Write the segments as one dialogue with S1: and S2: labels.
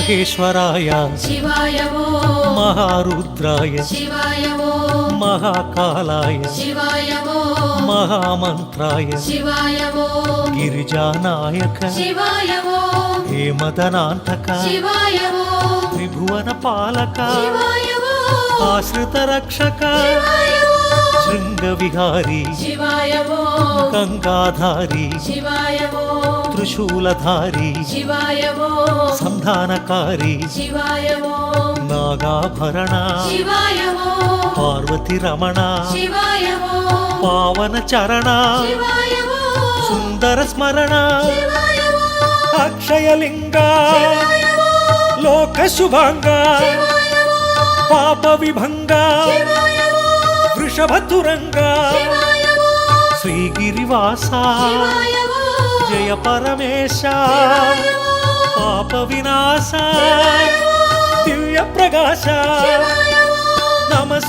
S1: महेश्वराय
S2: शिवाय वो
S1: महारुद्राय
S2: शिवाय वो
S1: महाकालाय
S2: शिवाय वो
S1: महामंत्राय
S2: शिवाय वो
S1: गिरिजानायक
S2: शिवाय वो
S1: हेमदनान्तक
S2: शिवाय वो
S1: त्रिभुवन पालक
S2: शिवाय वो
S1: आश्रित रक्षक
S2: शिवाय वो
S1: शृंगविहारी
S2: शिवाय वो
S1: गंगाधारी
S2: शिवाय वो
S1: त्रिशूलधारी
S2: शिवाय वो
S1: संधानकारी
S2: शिवाय वो
S1: नागाभरण
S2: शिवाय वो
S1: पार्वती रमण
S2: शिवाय वो
S1: पावन चरण
S2: शिवाय वो
S1: सुंदर स्मरण
S2: शिवाय वो
S1: अक्षयलिंग
S2: शिवाय वो
S1: लोक शुभांग
S2: शिवाय वो
S1: पाप विभंग
S2: शिवाय वो
S1: वृषभतुरंग
S2: शिवाय वो
S1: श्रीगिरिवास
S2: शिवाय वो
S1: जय परमेश
S2: शिवाय वो
S1: पाप विनाश
S2: शिवाय वो
S1: दिव्य प्रकाश
S2: शिवाय वो
S1: नमः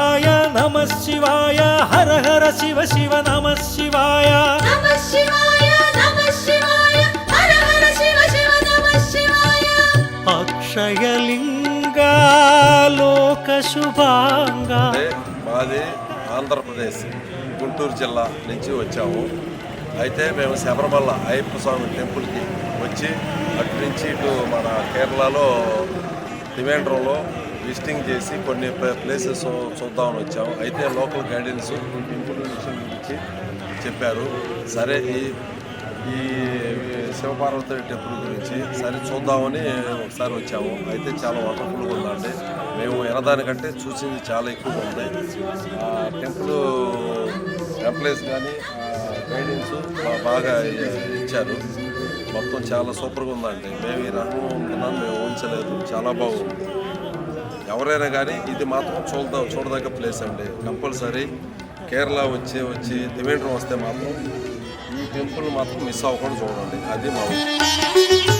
S1: शिवाय हर हर शिव शिव नमः शिवाय
S2: नमः शिवाय हर हर शिव शिव नमः शिवाय
S1: अक्षयलिंग लोक शुभांग
S3: మాది ఆంధ్రప్రదేశ్ గుంటూరు జిల్లా నుంచి వచ్చాము. అయితే మేము శబరిమల అయ్యప్ప స్వామి టెంపుల్కి వచ్చి అటు నుంచి ఇటు మన కేరళలో త్రివేంద్రంలో విజిటింగ్ చేసి కొన్ని ప్లేసెస్ చూద్దామని వచ్చాము. అయితే లోకల్ గైడెన్స్ టెంపుల్ విషయం గురించి చెప్పారు. సరే ఈ శివపార్వతి టెంపుల్ గురించి సరే చూద్దామని ఒకసారి వచ్చాము. అయితే చాలా వండర్ఫుల్గా ఉందండి. మేము ఎనదానికంటే చూసింది చాలా ఎక్కువగా ఉంది. టెంపుల్ ఎంప్లాయీస్ కానీ గైడెన్స్ బాగా ఇచ్చారు. మొత్తం చాలా సూపర్గా ఉందండి. మేము ఈ రకం ఉంటున్నాను మేము ఊహించలేదు. చాలా బాగుంది. ఎవరైనా కానీ ఇది మాత్రం చూడదగ్గ ప్లేస్ అండి. కంపల్సరీ కేరళ వచ్చి త్రివేంద్రం వస్తే మాత్రం ఈ టెంపుల్ మాత్రం మిస్ అవ్వకుండా చూడండి. అది మా